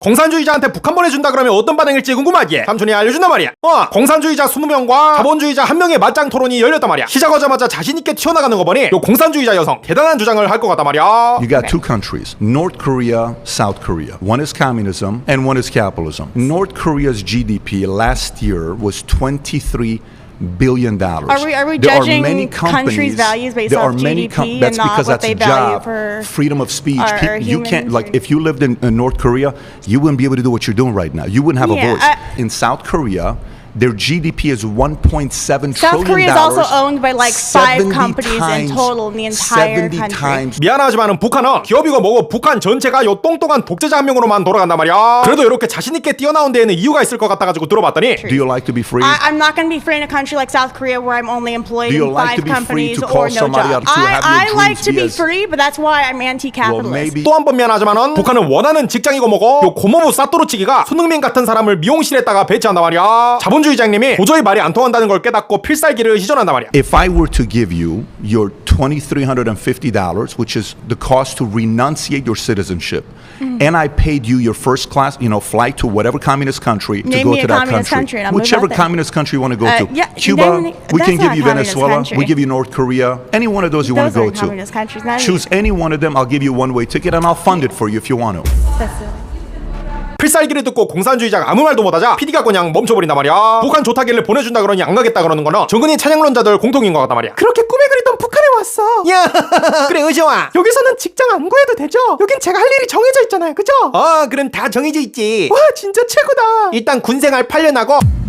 공산주의자한테 북한 보내준다 그러면 어떤 반응일지 궁금하기에 삼촌이 알려준단 말이야. 공산주의자 20명과 자본주의자 1명의 맞짱 토론이 열렸단 말이야. 시작하자마자 자신있게 튀어나가는 거 보니 요 공산주의자 여성 대단한 주장을 할 것 같단 말이야. You got two countries, North Korea, South Korea. One is communism and one is capitalism. North Korea's GDP last year was $23 billion. Are we judging countries' values based off GDP that's and not because what that's they a value job. for Freedom of speech. our You can't, humans like, or- if you lived in North Korea, you wouldn't be able to do what you're doing right now. You wouldn't have Yeah, a voice. In South Korea, their GDP is $1.7 trillion. South Korea is also owned by like 5 70 companies in times- total in the entire 70 country. times. 미안하지만은 북한은 기업이고 뭐고 북한 전체가 요 똥똥한 독재자 한 명으로만 돌아간단 말이야. 그래도 이렇게 자신있게 뛰어나온 데에는 이유가 있을 것 같아가지고 들어봤더니 Do you like to be free? I'm not going to be free in a country like South Korea where I'm only employed Do you in like to 5 be free companies to call or no somebody job. out to have your I like dreams to be be as- free, but that's why I'm Well, anti-capitalist. maybe. 또 한 번 미안하지만은 북한은 원하는 직장이고 뭐고 요 고모부 싸또로치기가 손흥민 같은 사람을 미용실에다가 배치한단 말이야. 자본주의장님이 도저히 말이 안 통한다는 걸 깨닫고 필살기를 시전한단 말이야. If I were to give you your $2,350, which is the cost to renunciate your citizenship, and I paid you your first class, flight to whatever communist country to Name go me to a that communist country, country and I'll move whichever out there. communist country you want to go to, yeah, Cuba, then we can that's give not you a communist Venezuela, we country. give you North Korea, any one of those you want Those to go aren't communist to. countries. Not Choose any one of them. I'll give you one-way ticket, and I'll fund it for you if you want to. 필살기를 듣고 공산주의자가 아무 말도 못하자 PD가 그냥 멈춰버린단 말이야. 북한 좋다길래 보내준다 그러니 안 가겠다 그러는 거는 정근이 찬양론자들 공통인 것 같단 말이야. 그렇게 꿈에 그리던 북한에 왔어. 야 그래 의지와 여기서는 직장 안 구해도 되죠? 여긴 제가 할 일이 정해져 있잖아요, 그죠? 그럼 다 정해져 있지. 와 진짜 최고다. 일단 군생활 8년 하고